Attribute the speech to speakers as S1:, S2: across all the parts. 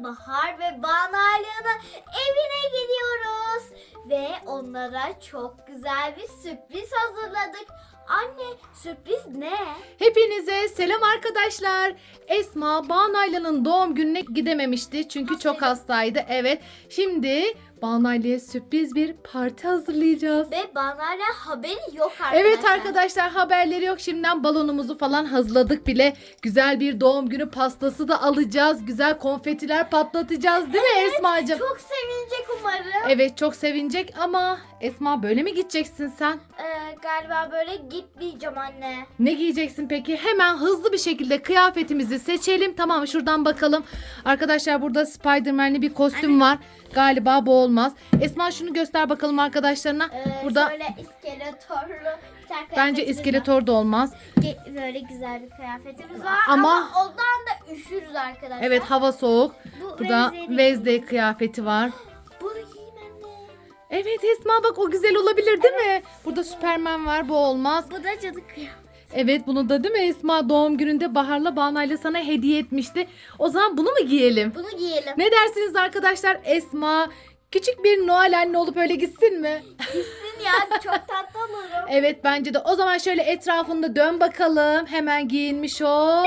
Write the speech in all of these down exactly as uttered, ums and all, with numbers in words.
S1: Bahar ve Banu Alya'nın evine gidiyoruz. Ve onlara çok güzel bir sürpriz hazırladık. Anne, sürpriz ne?
S2: Hepinize selam arkadaşlar. Esma Banu Ayla'nın doğum gününe gidememişti çünkü çok hastaydı. Evet. Şimdi Banu Ayla'ya sürpriz bir parti hazırlayacağız.
S1: Ve Banu Alya haberi yok arkadaşlar.
S2: Evet arkadaşlar, haberleri yok. Şimdiden balonumuzu falan hazırladık bile. Güzel bir doğum günü pastası da alacağız. Güzel konfetiler patlatacağız değil mi
S1: Evet,
S2: Esma'cığım?
S1: çok sevinecek umarım.
S2: Evet, çok sevinecek ama Esma, böyle mi gideceksin sen?
S1: Ee, galiba böyle gitmeyeceğim anne.
S2: Ne giyeceksin peki? Hemen hızlı bir şekilde kıyafetimizi seçelim. Tamam, şuradan bakalım. Arkadaşlar, burada Spider-Man'li bir kostüm var. Galiba bu olmaz. Esma, şunu göster bakalım arkadaşlarına.
S1: Ee,
S2: burada
S1: Şöyle iskeletorlu bir tane
S2: bence
S1: kıyafetimiz var.
S2: iskeletor da olmaz.
S1: Ge- Böyle güzel bir kıyafetimiz var
S2: Ama-
S1: ama, ondan da üşürüz arkadaşlar.
S2: Evet, hava soğuk.
S1: Bu
S2: Burada
S1: Wednesday-
S2: Wednesday kıyafeti var.
S1: Bunu giyeyim anne.
S2: Evet Esma, bak o güzel olabilir değil mi? Burada Superman var, bu olmaz.
S1: Bu da cadı kıyafeti.
S2: Evet, bunu da değil mi Esma, doğum gününde Bahar'la Bana'yla sana hediye etmişti. O zaman bunu mu giyelim?
S1: Bunu giyelim.
S2: Ne dersiniz arkadaşlar? Esma küçük bir Noel anne olup öyle gitsin mi?
S1: Gitsin ya, çok tatlı olurum.
S2: Evet, bence de. O zaman şöyle etrafında dön bakalım. Hemen giyinmiş ol.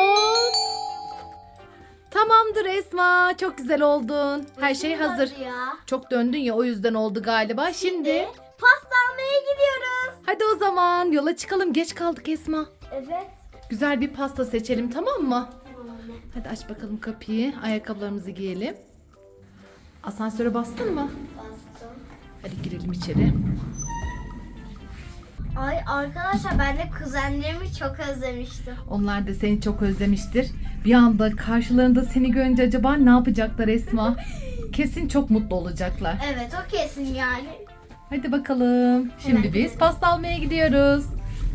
S2: Tamamdır Esma. Çok güzel oldun. Her şey
S1: Uzun
S2: hazır.
S1: oldu Ya.
S2: Çok döndün ya, o yüzden oldu galiba. Şimdi
S1: pasta almaya gidiyoruz.
S2: hadi o zaman yola çıkalım. Geç kaldık Esma.
S1: Evet.
S2: Güzel bir pasta seçelim, tamam mı?
S1: Tamam anne.
S2: Hadi aç bakalım kapıyı. Ayakkabılarımızı giyelim. Asansöre bastın mı?
S1: Bastım.
S2: Hadi girelim içeri.
S1: Ay arkadaşlar, ben de kuzenlerimi çok özlemiştim.
S2: Onlar da seni çok özlemiştir. Bir anda karşılarında seni görünce acaba ne yapacaklar Esma? Kesin çok mutlu olacaklar.
S1: Evet, o kesin yani.
S2: Hadi bakalım. Şimdi
S1: Hemen
S2: biz pasta almaya gidiyoruz.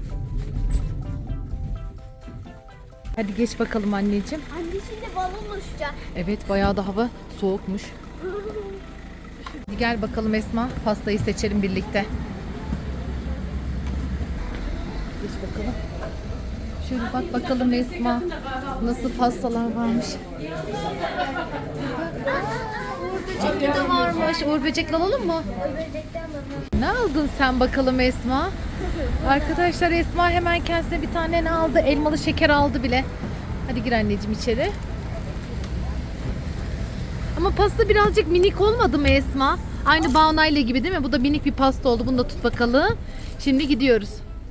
S2: Hadi geç bakalım anneciğim.
S1: Anne, şimdi balon uçacak.
S2: Evet, bayağı da hava soğukmuş. Hadi gel bakalım Esma. Pastayı seçelim birlikte. Geç bakalım. Şöyle bak bakalım Esma. Nasıl pastalar varmış. Uğur böcekli de varmış. Uğur böcekli alalım mı?
S1: Böcekten balon.
S2: Ne aldın sen bakalım Esma? Arkadaşlar, Esma hemen kendisine bir tane ne aldı? Elmalı şeker aldı bile. Hadi gir anneciğim içeri. Ama pasta birazcık minik olmadı mı Esma? Aynı Baunayla gibi değil mi? Bu da minik bir pasta oldu. Bunu da tut bakalım. Şimdi gidiyoruz.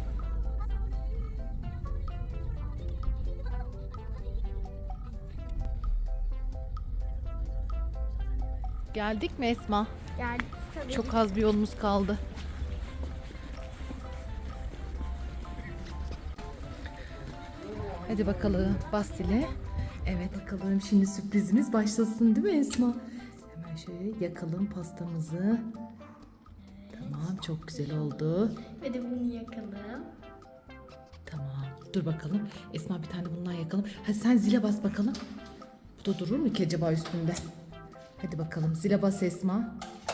S2: Geldik mi Esma?
S1: Yani tabii.
S2: Çok az bir yolumuz kaldı. Hadi bakalım bas zile. Evet bakalım, şimdi sürprizimiz başlasın değil mi Esma? Hemen şöyle yakalım pastamızı. Tamam, çok güzel oldu.
S1: Ve de bunu yakalım.
S2: Tamam, dur bakalım. Esma, bir tane bundan yakalım. Hadi sen zile bas bakalım. Bu da durur mu ki acaba üstünde? Hadi bakalım, zile bas Esma.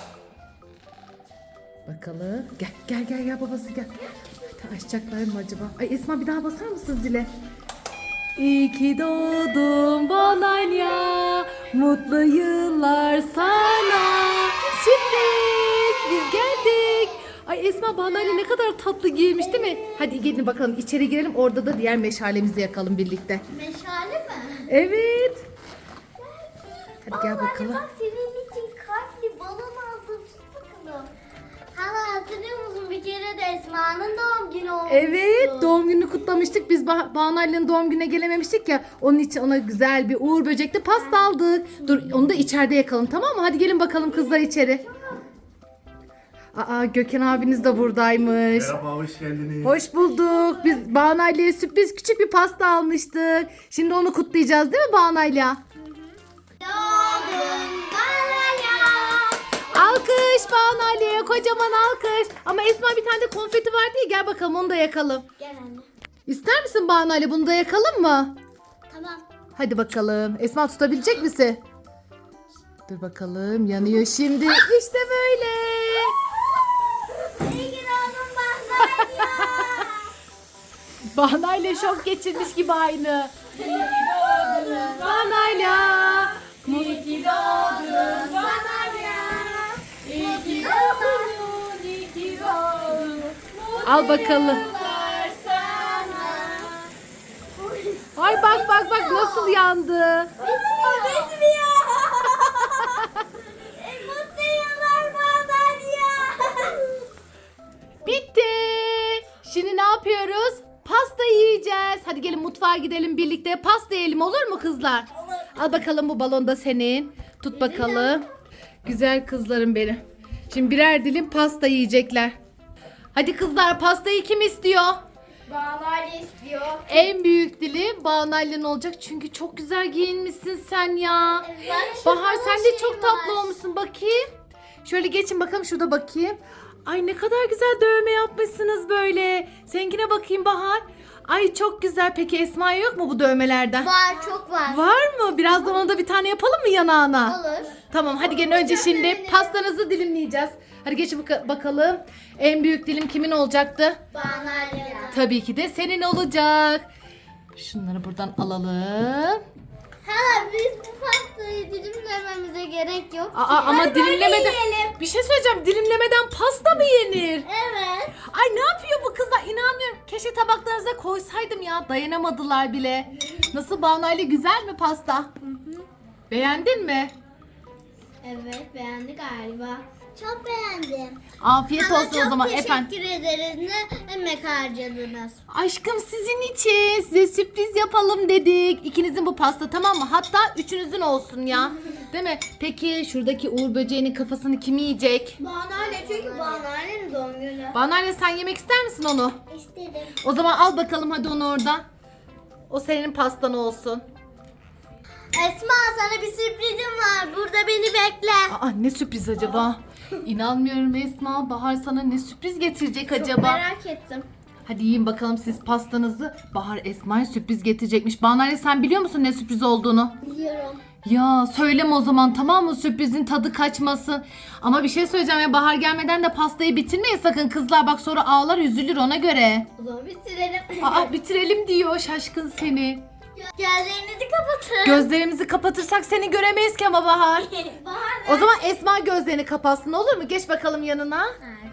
S2: Bakalım. Gel gel gel gel babası gel. Hadi açacaklar mı acaba? Ay Esma, bir daha basar mısın zile? İyi ki doğdun Banalya, mutlu yıllar sana. Sürpriz, biz geldik. Ay Esma, Banalya ne kadar tatlı giymiş değil mi? Hadi gelin bakalım, içeri girelim, orada da diğer meşalemizi yakalım birlikte.
S1: Meşale mi?
S2: Evet. Hadi gel
S1: Aa, anne
S2: bakalım.
S1: bak, senin için kalpli balon aldım. Tut bakalım. Hala hatırlıyor musun? Bir kere de Esma'nın doğum günü olmuştu.
S2: Evet, doğum gününü kutlamıştık. Biz bah Banu Alya'nın doğum gününe gelememiştik ya. Onun için ona güzel bir Uğur böcekli pasta aldık. Dur, onu da içeride yakalım, tamam mı? Hadi gelin bakalım kızlar içeri. Aa, Gökhan abiniz de buradaymış.
S3: Merhaba, hoş geldiniz.
S2: Hoş bulduk. Biz Banu Alya'ya sürpriz küçük bir pasta almıştık. Şimdi onu kutlayacağız değil mi Banu Alya?
S1: Doğdun Banalya.
S2: Alkış Banu Alya'ya, kocaman alkış. Ama Esma, bir tane de konfeti var diye, gel bakalım onu da yakalım.
S1: Gel anne.
S2: İster misin Banu Alya, bunu da yakalım mı?
S1: Tamam.
S2: Hadi bakalım. Esma, tutabilecek misin? Dur bakalım, yanıyor şimdi. İşte böyle.
S1: İyi ki doğdun Banalya.
S2: Banayla şok geçirmiş gibi aynı. Banayla.
S1: İyi ki doğdun
S2: Al bakalım. Ay bak bak bak nasıl yandı.
S1: Bitmiyor. Mutlu yıllar madalya.
S2: Bitti. Şimdi ne yapıyoruz? Pasta yiyeceğiz. Hadi gelin mutfağa gidelim birlikte. Pasta yiyelim olur mu kızlar? Al bakalım bu balon da senin. Tut bakalım. Güzel kızlarım benim. Şimdi birer dilim pasta yiyecekler. Hadi kızlar pastayı kim istiyor?
S1: Madalya istiyor.
S2: En büyük dilim Banay'ın olacak çünkü çok güzel giyinmişsin sen ya.
S1: Evet.
S2: Bahar sen de
S1: Şey
S2: çok tatlı
S1: var.
S2: olmuşsun bakayım. Şöyle geçin bakalım şurada bakayım. Ay ne kadar güzel dövme yapmışsınız böyle. Seninkine bakayım Bahar. Ay çok güzel. Peki Esma yok mu bu dövmelerden?
S1: Var, çok var.
S2: Var mı? Birazdan ona da bir tane yapalım mı yanağına?
S1: Olur.
S2: Tamam hadi gelin önce şimdi pastanızı dilimleyeceğiz. Hadi geçin baka- bakalım. En büyük dilim kimin olacaktı?
S1: Madalya.
S2: Tabii ki de senin olacak. Şunları buradan alalım.
S1: Hala biz bu pastayı dilimlememize gerek yok.
S2: Aa, ama
S1: Hadi böyle
S2: dilimlemeden...
S1: yiyelim.
S2: Bir şey söyleyeceğim. Dilimlemeden pasta mı yenir?
S1: Evet.
S2: Ay ne yapıyor bu kızlar? İnanmıyorum. Keşke tabaklarınıza koysaydım ya. Dayanamadılar bile. Nasıl Banayla güzel mi pasta? Beğendin mi?
S1: Evet, beğendi galiba. Çok beğendim.
S2: Afiyet
S1: Sana
S2: olsun o zaman
S1: çok
S2: efendim.
S1: teşekkür ederiz. Ne emek harcadınız.
S2: Aşkım sizin için size sürpriz yapalım dedik. İkinizin bu pasta tamam mı? Hatta üçünüzün olsun ya. Değil mi? Peki şuradaki Uğur böceğinin kafasını kim yiyecek?
S1: Banale çünkü Banale'nin doğum günü.
S2: Banayla sen yemek ister misin onu?
S1: İstedim.
S2: O zaman al bakalım hadi onu oradan. O senin pastan olsun.
S1: Esma sana bir sürprizim var. Burada beni bekle.
S2: Aa ne sürpriz acaba? İnanmıyorum Esma. Bahar sana ne sürpriz getirecek acaba?
S1: Merak ettim.
S2: Hadi yiyin bakalım siz pastanızı. Bahar Esma'ya sürpriz getirecekmiş. Banayla sen biliyor musun ne sürpriz olduğunu?
S1: Biliyorum.
S2: Ya söyleme o zaman tamam mı? Sürprizin tadı kaçmasın. Ama bir şey söyleyeceğim ya Bahar gelmeden de pastayı bitirmeyin sakın kızlar. Bak sonra ağlar üzülür ona göre.
S1: O zaman bitirelim.
S2: Aa bitirelim diyor şaşkın seni.
S1: Gözlerinizi kapatın.
S2: Gözlerimizi kapatırsak seni göremeyiz ki ama Bahar.
S1: Bahar
S2: O zaman Esma gözlerini kapatsın olur mu? Geç bakalım yanına.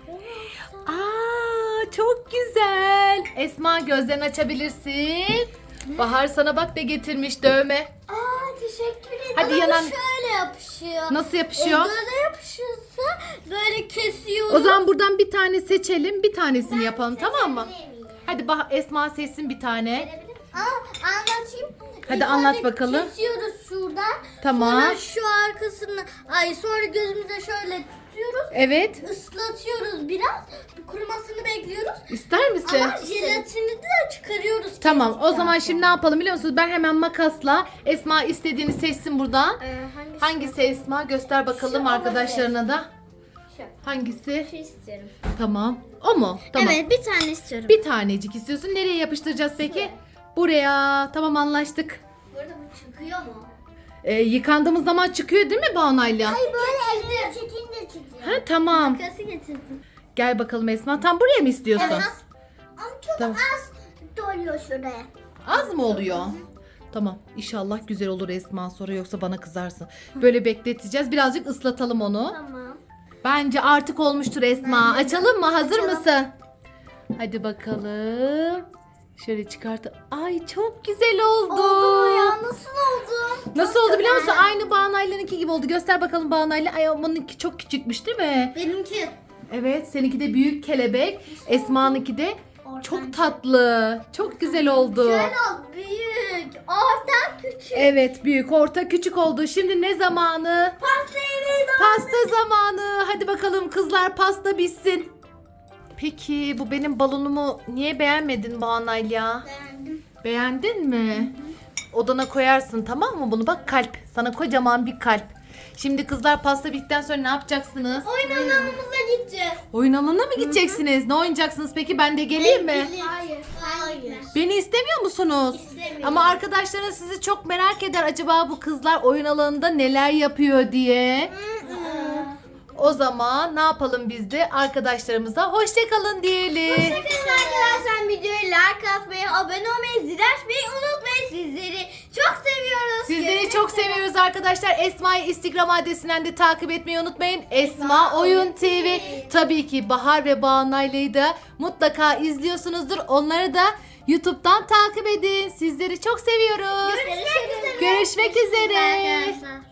S2: Aa çok güzel. Esma gözlerini açabilirsin. Bahar sana bak ne getirmiş dövme.
S1: Aa teşekkür ederim.
S2: Hadi
S1: Ama bu
S2: yanan-
S1: şöyle yapışıyor.
S2: Nasıl yapışıyor?
S1: E, böyle yapışıyorsa böyle kesiyoruz.
S2: O zaman buradan bir tane seçelim. Bir tanesini yapalım tamam mı? Hadi bah Esma seçsin bir tane.
S1: Aa, anlatayım.
S2: Hadi
S1: İlk
S2: anlat
S1: önce
S2: bakalım.
S1: Kesiyoruz şuradan.
S2: Tamam.
S1: Sonra şu arkasını, ay sonra gözümüze şöyle tutuyoruz.
S2: Evet.
S1: Islatıyoruz biraz. Kurumasını bekliyoruz.
S2: İster misin?
S1: Ama jelatini de çıkarıyoruz.
S2: Tamam o
S1: kestikten
S2: zaman
S1: sonra.
S2: şimdi ne yapalım biliyor musunuz? Ben hemen makasla Esma istediğini seçsin buradan.
S1: Ee, hangisi?
S2: Hangisi Esma? Göster bakalım
S1: Şu
S2: arkadaşlarına da.
S1: Şu.
S2: Hangisi?
S1: Şu istiyorum.
S2: Tamam. O mu? Tamam.
S1: Evet bir tane istiyorum.
S2: Bir tanecik istiyorsun. Nereye yapıştıracağız peki? Buraya. Tamam anlaştık.
S1: Burada bu çıkıyor mu?
S2: Ee, yıkandığımız zaman çıkıyor değil mi Banayla?
S1: Ay böyle elini çekince çıkıyor.
S2: Ha tamam.
S1: Makası getirdim.
S2: Gel bakalım Esma. Tam buraya mı istiyorsun?
S1: Evet. Ama çok
S2: Tamam.
S1: az doluyor şuraya.
S2: Az mı oluyor? Tamam. İnşallah güzel olur Esma sonra yoksa bana kızarsın. Böyle bekleteceğiz. Birazcık ıslatalım onu.
S1: Tamam.
S2: Bence artık olmuştur Esma.
S1: Bence de.
S2: Açalım mı? Hazır
S1: Açalım.
S2: mısın? Hadi bakalım. Şöyle çıkart. Ay çok güzel oldu.
S1: Oldu mu ya? Nasıl oldu?
S2: Nasıl oldu biliyor musun? Aynı Banaylı'nınki gibi oldu. Göster bakalım Banaylı. Ay onunki çok küçükmüş değil mi?
S1: Benimki.
S2: Evet seninki de büyük kelebek. Esma'nınki de
S1: Orta.
S2: çok tatlı. Çok güzel oldu.
S1: Şöyle oldu. Büyük. Orta küçük.
S2: Evet büyük, orta, küçük oldu. Şimdi ne zamanı?
S1: Pasta yemeği
S2: Pasta zamanı. Hadi bakalım kızlar pasta bitsin. Peki bu benim balonumu niye beğenmedin Banayla ya?
S1: beğendim.
S2: Beğendin mi? Odana koyarsın tamam mı bunu? Bak kalp. Sana kocaman bir kalp. Şimdi kızlar pasta bittikten sonra ne yapacaksınız?
S1: Oyun alanımıza gideceğiz.
S2: Oyun alanına mı gideceksiniz? Ne oynayacaksınız peki? Ben de geleyim mi?
S1: Hayır. Hayır.
S2: Beni istemiyor musunuz?
S1: İstemiyorum.
S2: Ama arkadaşlarınız sizi çok merak eder. Acaba bu kızlar oyun alanında neler yapıyor diye. O zaman ne yapalım biz de arkadaşlarımıza hoşçakalın diyelim.
S1: Hoşçakalın arkadaşlar. Videoyu like atmayı, abone olmayı, zil açmayı unutmayın. Sizleri çok seviyoruz.
S2: Sizleri Sizleri çok seviyoruz arkadaşlar. Esma'yı Instagram adresinden de takip etmeyi unutmayın. Esma Oyun T V. Tabii ki Bahar ve Banu'yu da mutlaka izliyorsunuzdur. Onları da YouTube'dan takip edin. Sizleri çok seviyoruz.
S1: Görüşmek üzere.
S2: Görüşmek üzere.
S1: Arkadaşlar.